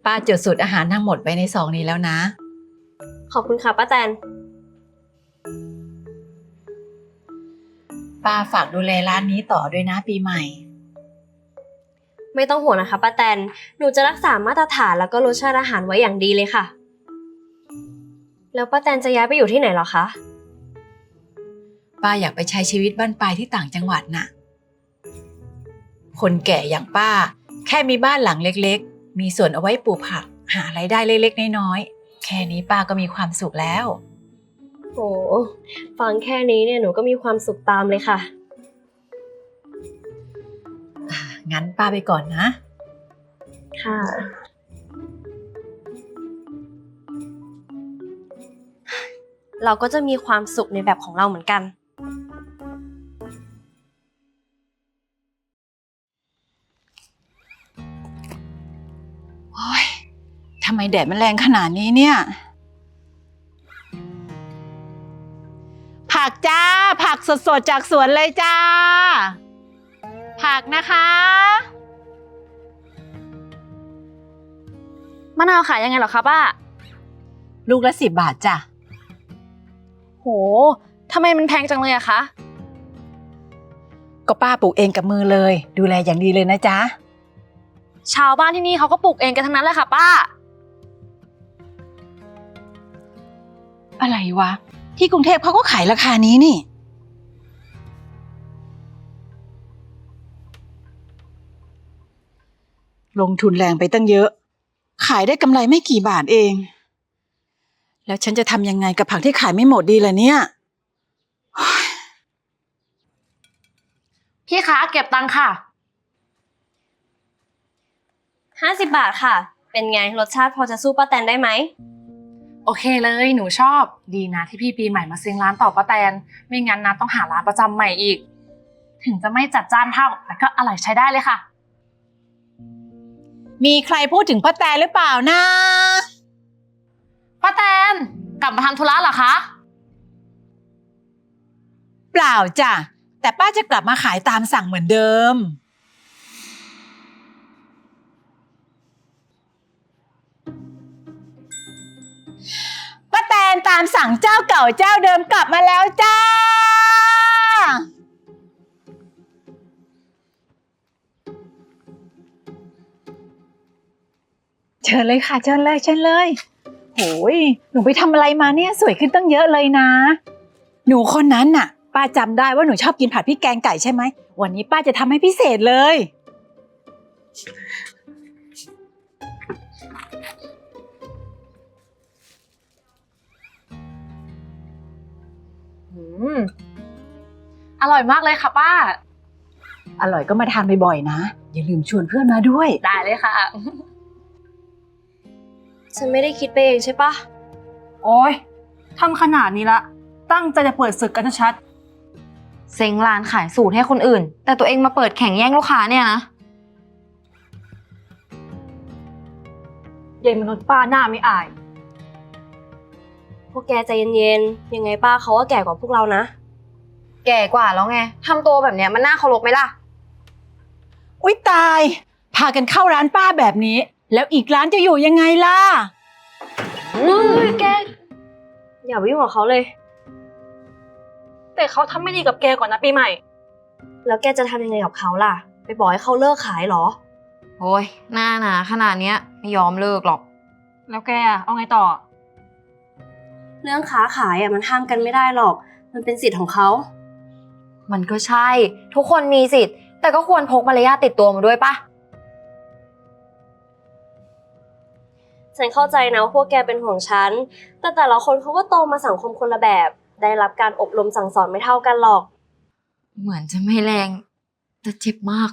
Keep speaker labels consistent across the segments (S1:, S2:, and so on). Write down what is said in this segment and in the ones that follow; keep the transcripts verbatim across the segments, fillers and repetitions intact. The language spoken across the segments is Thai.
S1: ป้าจดสูตรอาหารทั้งหมดไว้ในซองนี้แล้วนะ
S2: ขอบคุณค่ะป้าแตน
S1: ป้าฝากดูแลร้านนี้ต่อด้วยนะปีใหม่
S2: ไม่ต้องห่วงนะคะป้าแตนหนูจะรักษามาตรฐานแล้วก็รสชาติอาหารไว้อย่างดีเลยค่ะแล้วป้าแตนจะย้ายไปอยู่ที่ไหนหรอคะ
S1: ป้าอยากไปใช้ชีวิตบ้านปลายที่ต่างจังหวัดน่ะคนแก่อย่างป้าแค่มีบ้านหลังเล็กๆมีสวนเอาไว้ปลูกผักหารายได้เล็กๆน้อยๆแค่นี้ป้าก็มีความสุขแล้ว
S2: โอ้ฟังแค่นี้เนี่ยหนูก็มีความสุขตามเลยค่ะ
S1: งั้นป้าไปก่อนนะ
S2: ค่ะเราก็จะมีความสุขในแบบของเราเหมือนกัน
S1: โอ๊ยทำไมแดดมันแรงขนาดนี้เนี่ยผักจ้าผักสดๆจากสวนเลยจ้าผักนะคะ
S2: มะนาวขายยังไงเหรอคะป้า
S1: ลูกละสิบบาทจ้ะ
S2: โหทำไมมันแพงจังเลยอะคะ
S1: ก็ป้าปลูกเองกับมือเลยดูแลอย่างดีเลยนะจ๊ะ
S2: ชาวบ้านที่นี่เขาก็ปลูกเองกันทั้งนั้นเลยค่ะป้า
S1: อะไรวะที่กรุงเทพเขาก็ขายราคานี้นี่ลงทุนแรงไปตั้งเยอะขายได้กำไรไม่กี่บาทเองแล้วฉันจะทำยังไงกับผักที่ขายไม่หมดดีล่ะเนี่ย
S2: พี่คะเก็บตังค่ะห้าสิบบาทค่ะเป็นไงรสชาติพอจะสู้ป้าแตนได้ไหม
S3: โอเคเลยหนูชอบดีนะที่พี่ปีใหม่มาซื้อร้านต่อป้าแตนไม่งั้นนะต้องหาร้านประจำใหม่อีกถึงจะไม่จัดจ้านเท่าแต่ก็อร่อยใช้ได้เลยค่ะ
S1: มีใครพูดถึงป้าแตนหรือเปล่านะ
S3: ป้าแตนกลับมาทำธุระเหรอคะ
S1: เปล่าจ้ะแต่ป้าจะกลับมาขายตามสั่งเหมือนเดิมป้าแตนตามสั่งเจ้าเก่าเจ้าเดิมกลับมาแล้วจ้าเชิญเลยค่ะเชิญเลยเชิญเลยโหยหนูไปทำอะไรมาเนี่ยสวยขึ้นตั้งเยอะเลยนะหนูคนนั้นน่ะป้าจำได้ว่าหนูชอบกินผัดพริกแกงไก่ใช่ไหมวันนี้ป้าจะทำให้พิเศษเลย
S3: อืมอร่อยมากเลยค่ะป้า
S1: อร่อยก็มาทานบ่อยๆนะอย่าลืมชวนเพื่อนมาด้วย
S3: ได้เลยค่ะ
S2: ฉันไม่ได้คิดไปเองใช่ปะ
S4: โอ๊ยทำขนาดนี้ละตั้งใจจะเปิดศึกกันชัด
S5: เซ็งร้านขายสูตรให้คนอื่นแต่ตัวเองมาเปิดแข่งแย่งลูกค้าเนี่ยนะ
S4: เย็นมนุษย์ป้าหน้าไม่อาย
S2: พวกแกใจเย็นๆยังไงป้าเขาก็แก่กว่าพวกเรานะ
S5: แก่กว่าแล้วไงทำตัวแบบเนี้ยมันน่าเคารพไหมล่ะ
S1: อุ๊ยตายพากันเข้าร้านป้าแบบนี้แล้วอีกร้านจะอยู่ยังไงล่ะ
S2: เฮ้ยแกอย่าไปยุ่งกับเขาเลย
S4: แต่เขาทำไม่ดีกับแกก่อนนะปีใหม่
S2: แล้วแกจะทำยังไงกับเขาล่ะไปบอกให้เขาเลิกขายเหรอ
S5: โอ้ยหน้าหนาขนาดเนี้ยไม่ยอมเลิกหรอก
S4: แล้วแกเอาไงต่อ
S2: เรื่องค้าขายอ่ะมันห้ามกันไม่ได้หรอกมันเป็นสิทธิ์ของเขา
S5: มันก็ใช่ทุกคนมีสิทธิ์แต่ก็ควรพกมารยาทติดตัวมาด้วยปะ
S2: ฉันเข้าใจนะว่าพวกแกเป็นห่วงฉันแต่แต่ละคนเขาก็โตมาสังคมคนละแบบได้รับการอบรมสั่งสอนไม่เท่ากันหรอก
S5: เหมือนจะไม่แรงแต่เจ็บมาก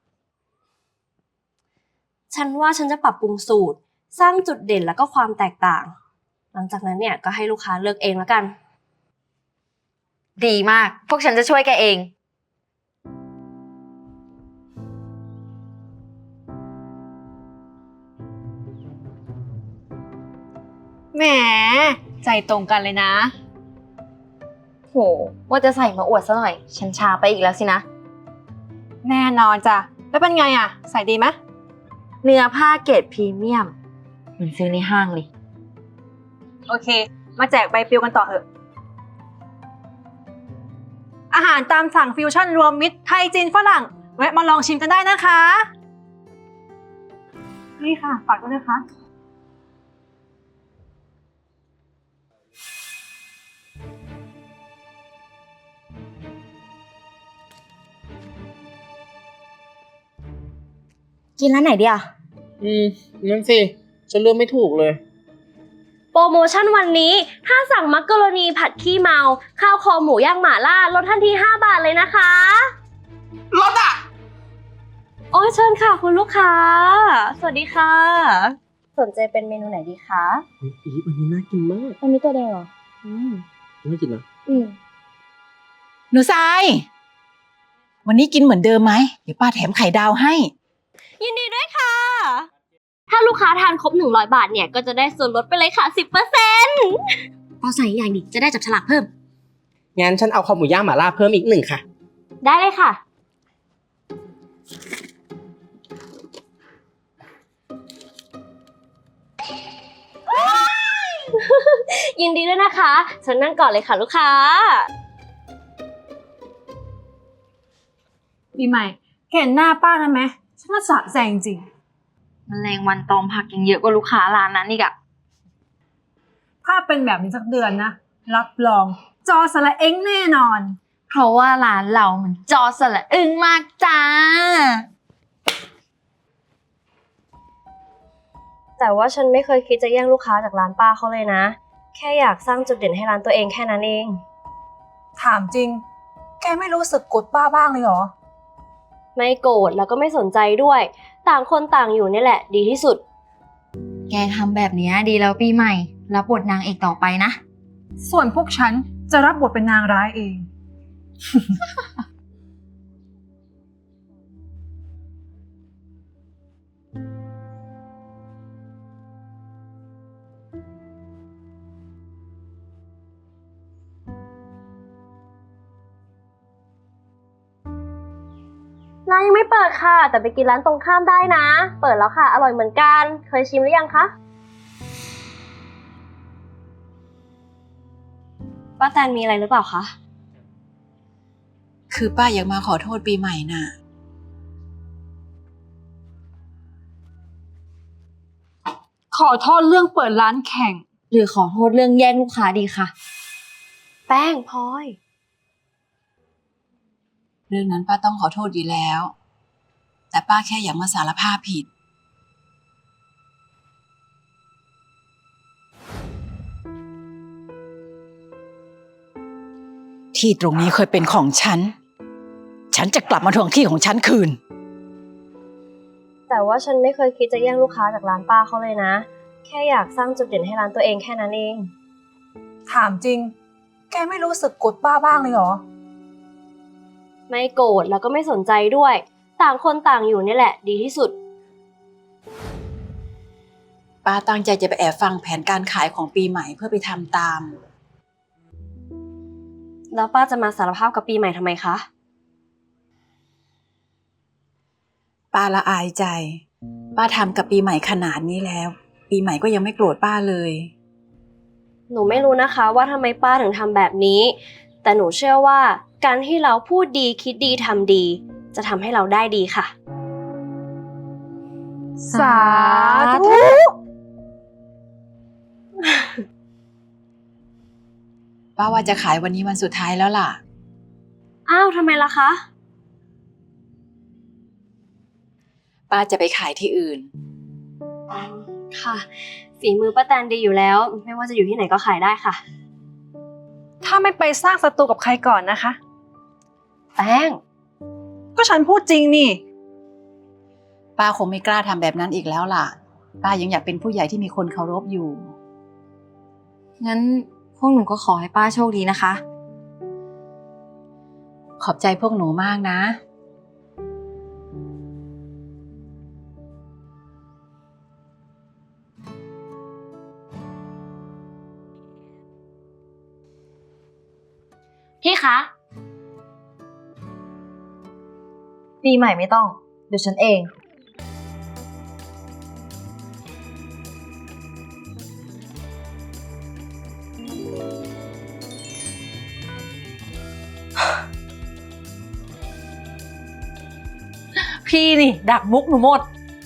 S2: ฉันว่าฉันจะปรับปรุงสูตรสร้างจุดเด่นแล้วก็ความแตกต่างหลังจากนั้นเนี่ยก็ให้ลูกค้าเลือกเองแล้วกัน
S5: ดีมากพวกฉันจะช่วยแกเอง
S4: แหมใจตรงกันเลยนะ
S5: โหว่าจะใส่มาอวดซะหน่อยฉันช้าไปอีกแล้วสินะ
S4: แน่นอนจ้ะแล้วเป็นไงอ่ะใส่ดีไหม
S5: เนื้อผ้าเกรดพรีเมียมเหมือนซื้อในห้างเลย
S4: โอเค มาแจกใบปลิวกันต่อเถอะ อาหารตามสั่งฟิวชั่นรวมมิตรไทยจีนฝรั่ง แวะมาลองชิมกันได้นะคะ นี่ค่ะ ฝากด้วยนะคะ
S5: กินร้านไหนดีอ่ะ
S6: อืมนั่นสิฉันเลือกไม่ถูกเลย
S2: โปรโมชั่นวันนี้ ถ้าสั่งมักกะโรนีผัดขี้เมา ข้าวคอหมูย่างหม่าล่าลดทันทีห้าบาทเลยนะคะ
S6: รถอ่ะ
S2: โอ้ยเชิญค่ะคุณลูกค้า สวัสดีค่ะ สนใจเป็นเมนูไหนดีคะ
S6: อีฟวันนี้น่ากินมาก
S2: อันนี้ตัวแดงเหรอ อืม
S6: น่ากินนะ
S2: อืม
S1: หนูทราย วันนี้กินเหมือนเดิมไหม เดี๋ยวป้าแถมไข่ดาวให้
S2: ยินดีด้วยค่ะ ถ้าลูกค้าทานครบหนึ่งร้อยบาทเนี่ยก็จะได้ส่วนลดไปเลยค่ะ สิบเปอร์เซ็นต์ พอใส่อย่างดิจะได้จับฉลากเพิ่ม
S6: งั้นฉันเอาคอหมูย่างหม่าล่าเพิ่มอีกหนึ่งค่ะ
S2: ได้เลยค่ะ ยินดีด้วยนะคะเชิญนั่งก่อนเลยค่ะลูกค้า
S4: ปีใหม่เห็นหน้าป้านะไหมฉันว่าสะใจจริง
S5: แมลงวันตอมผักยังเยอะกว่าลูกค้าร้านนั้นอีกอะ
S4: ๆถ้าเป็นแบบนี้สักเดือนนะ รับรอง จอสละเอ็งแน่นอน
S5: เพราะว่าร้านเรามันจอสละอึ้งมากจ้า
S2: แต่ว่าฉันไม่เคยคิดจะแย่งลูกค้าจากร้านป้าเขาเลยนะ แค่อยากสร้างจุดเด่นให้ร้านตัวเองแค่นั้นเอง
S4: ถามจริง แกไม่รู้สึกกดป้าบ้างเลยเหรอ
S2: ไม่โกรธแล้วก็ไม่สนใจด้วย ต่างคนต่างอยู่นี่แหละ ดีที่สุด
S5: แกทำแบบนี้ดีแล้วปีใหม่ รับบทนางเอกต่อไปนะ
S4: ส่วนพวกฉันจะรับบทเป็นนางร้ายเอง
S2: ร้านยังไม่เปิดค่ะ แต่ไปกินร้านตรงข้ามได้นะ เปิดแล้วค่ะ อร่อยเหมือนกัน เคยชิมหรือยังคะป้าแตนมีอะไรหรือเปล่าคะ
S1: คือป้าอยากมาขอโทษปีใหม่น่ะ
S4: ขอโทษเรื่องเปิดร้านแข่ง
S5: หรือขอโทษเรื่องแย่งลูกค้าดีค่ะ
S2: แป้งพลอย
S1: เรื่องนั้นป้าต้องขอโทษอยู่แล้ว แต่ป้าแค่อยากมาสารภาพผิด ที่ตรงนี้เคยเป็นของฉัน ฉันจะกลับมาทวงที่ของฉันคืน
S2: แต่ว่าฉันไม่เคยคิดจะแย่งลูกค้าจากร้านป้าเขาเลยนะ แค่อยากสร้างจุดเด่นให้ร้านตัวเองแค่นั้นเอง
S4: ถามจริง แกไม่รู้สึกกดป้าบ้างเลยเหรอ
S2: ไม่โกรธแล้วก็ไม่สนใจด้วย ต่างคนต่างอยู่นี่แหละ ดีที่สุด
S1: ป้าตั้งใจจะไปแอบฟังแผนการขายของปีใหม่เพื่อไปทำตาม
S2: แล้วป้าจะมาสารภาพกับปีใหม่ทำไมคะ
S1: ป้าละอายใจ ป้าทำกับปีใหม่ขนาดนี้แล้ว ปีใหม่ก็ยังไม่โกรธป้าเลย
S2: หนูไม่รู้นะคะว่าทำไมป้าถึงทำแบบนี้ แต่หนูเชื่อว่าการที่เราพูดดีคิดดีทำดี จะทำให้เราได้ดีค่ะ
S4: สาธุ
S1: ป้าว่าจะขายวันนี้วันสุดท้ายแล้วล่ะ
S2: อ้าวทำไมล่ะคะ
S1: ป้าจะไปขายที่อื่น
S2: ค่ะ ฝีมือป้าแตนดีอยู่แล้ว ไม่ว่าจะอยู่ที่ไหนก็ขายได้ค่ะ
S4: ถ้าไม่ไปสร้างศัตรูกับใครก่อนนะคะ
S2: แป้ง
S4: ก็ฉันพูดจริงนี่
S1: ป้าคงไม่กล้าทำแบบนั้นอีกแล้วล่ะ ป้ายังอยากเป็นผู้ใหญ่ที่มีคนเคารพอยู่
S5: งั้นพวกหนูก็ขอให้ป้าโชคดีนะคะ
S1: ขอบใจพวกหนูมากนะ
S5: พี่คะ ปีใหม่ไม่ต้อง เดี๋ยวฉันเอง
S3: พี่นี่ ดักมุกหนูหมด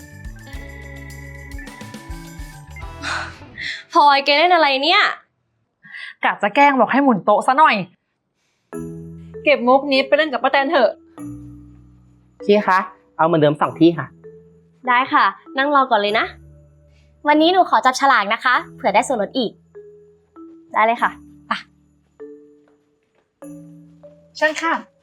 S2: พลอยแกเล่นอะไรเนี่ย
S3: กะจะแกล้งบอกให้หมุนโต๊ะซะหน่อย
S1: เก็บมุกนี้ไปเล่นกับป้าแตนเถอะ
S6: พี่คะ เอาเหมือนเดิมสองที่ค่ะ
S2: ได้ค่ะ นั่งรอก่อนเลยนะ วันนี้หนูขอจับฉลากนะคะ เผื่อได้ส่วนลดอีก ได้เลยค่ะ
S1: เชิญค่ะ